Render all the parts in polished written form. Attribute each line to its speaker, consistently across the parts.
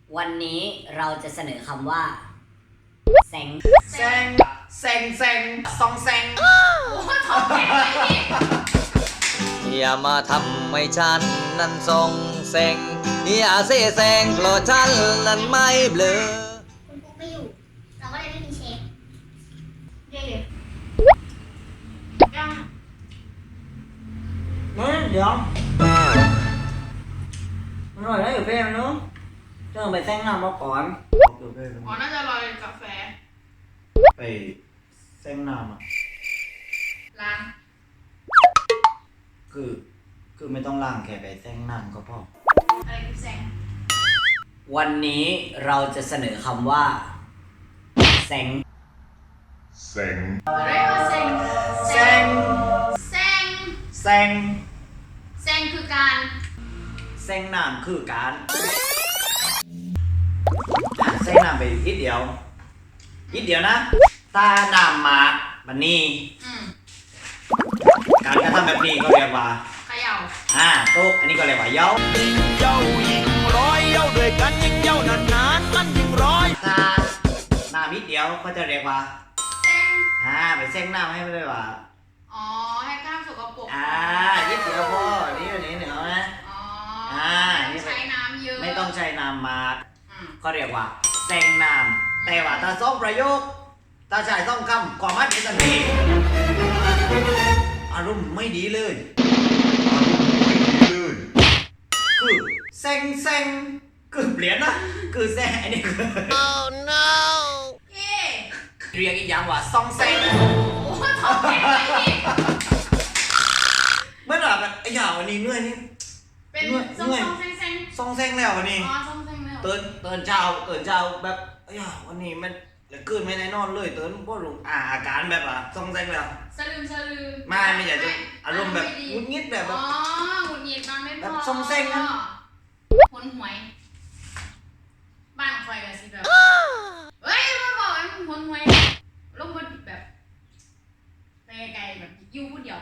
Speaker 1: วันนี้เราจะเสนอคำว่าแซง
Speaker 2: แซงซองแซง
Speaker 3: อย่ามาทำให้ฉันนั้นทรงเซ็งอย่าเสแสร้งเพราะฉันนั้นไม่เบลอ
Speaker 4: คุณปุ๊กไม่อยู่ เราก็เลยไม่มีเชฟเย่ยัง
Speaker 2: เดี๋ยวมันอร่อยนะอยู่เพ่มันเนาะเจ้าไปแซงน้ำมาก่อนอยู่เพ่
Speaker 5: อ๋อ น่าจะลอยกาแฟ
Speaker 2: ไปแซงน้ำอ่ะ
Speaker 5: ล้าง
Speaker 2: คือไม่ต้องล้างแค่ไปแซงน้ำก็พอ
Speaker 5: อะไรคือแซง
Speaker 1: วันนี้เราจะเสนอคำว่าแซง
Speaker 5: อะไรว่าแซง
Speaker 2: แซง
Speaker 5: แซง
Speaker 2: แซง
Speaker 5: แซงคือการ
Speaker 2: แซงน้ำคือการแซงน้ำไปนิดเดียวนะ ตาน้ำมาบันนี้
Speaker 5: อืม
Speaker 2: การกระทำแบบนี้ก็เรียกว่า
Speaker 5: เขย่า
Speaker 2: ตุ๊กอันนี้ก็เรียกว่าเย้า
Speaker 3: เย้ายิ่งร้อยเย้าด้วยกันยิ่งเย้านานๆมันยิ่งร้อย
Speaker 2: ตาหน้านิดเดียวก็จะเรียกว่า
Speaker 5: แซง
Speaker 2: ไปแซงน้ำให้ไม่ได้ว่า
Speaker 5: อ๋อ ให้กล้ามสกปรก
Speaker 2: นิดเดียวพอนี่อันนี้หนึ่งเอานะ
Speaker 5: อ๋อ
Speaker 2: นี่
Speaker 5: ใช้น้ำเยอะ
Speaker 2: ไม่ต้องใช้น้ำมา
Speaker 5: อืม
Speaker 2: ก็เรียกว่าแซงน้ำแต่ว่าถ้าซ่องประโยคถ้าใช้ซ่องคำความหมายเป็นทันทีอารมณ์ไม่ดีเลยคือแซงคือเปลี่ยนนะคือแซงอันนี้คือ
Speaker 3: Oh no
Speaker 5: เย่
Speaker 2: เรียกอีกอย่างว่าซองแซง
Speaker 5: โอ้โหทำแข็งเลยนี่
Speaker 2: เมื่อไหร่แบบไอ้ห่าวันนี้เหนื่อยนี่
Speaker 5: เป็น
Speaker 2: เหนื่อย
Speaker 5: ซองแซงแซง
Speaker 2: ซองแซงแล้ววันนี้
Speaker 5: อ๋อซองแซงเลยเหรอ
Speaker 2: ตื่นเช้าแบบไอ้ห่าวันนี้มันเหลือเกินไม่ได้นอนเลยตื่นเพราะรู้อาการแบบว่าซองแซงแล้ว
Speaker 5: สลืม
Speaker 2: ไม่อยากจะอารมณ์แบบงุนงิดแบบ
Speaker 5: อ๋อหงุดหงิดนอนไม่พอ
Speaker 2: แบบซองแซงนะ
Speaker 5: หนหวย บ้านคอยกันสิแบบเฮ้ยมาบอกไอ้หนหวยลงมาแบบไปไกลๆแบบอยู่คนเดียว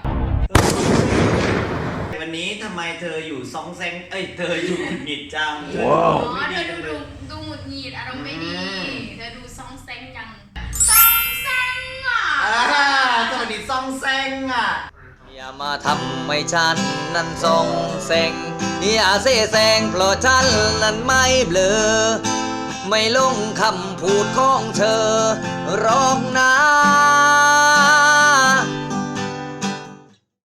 Speaker 2: วันนี้ทำไมเธออยู่ซองแซงเธออยู่หงุดหงิดจัง
Speaker 5: อ๋อเธอดูหงุดหงิดอารมณ์ไม่ดี เธอดูซองแซงยังซองแซงอ่ะ
Speaker 2: สวัสดีซองแซงอ่ะ
Speaker 3: อย่ามาทำให้ฉันนั้นทรงเซ็งอย่าเสแสร้งเพราะฉันนั้นไม่เบลอไม่ลงคำพูดของเธอหรอกนะ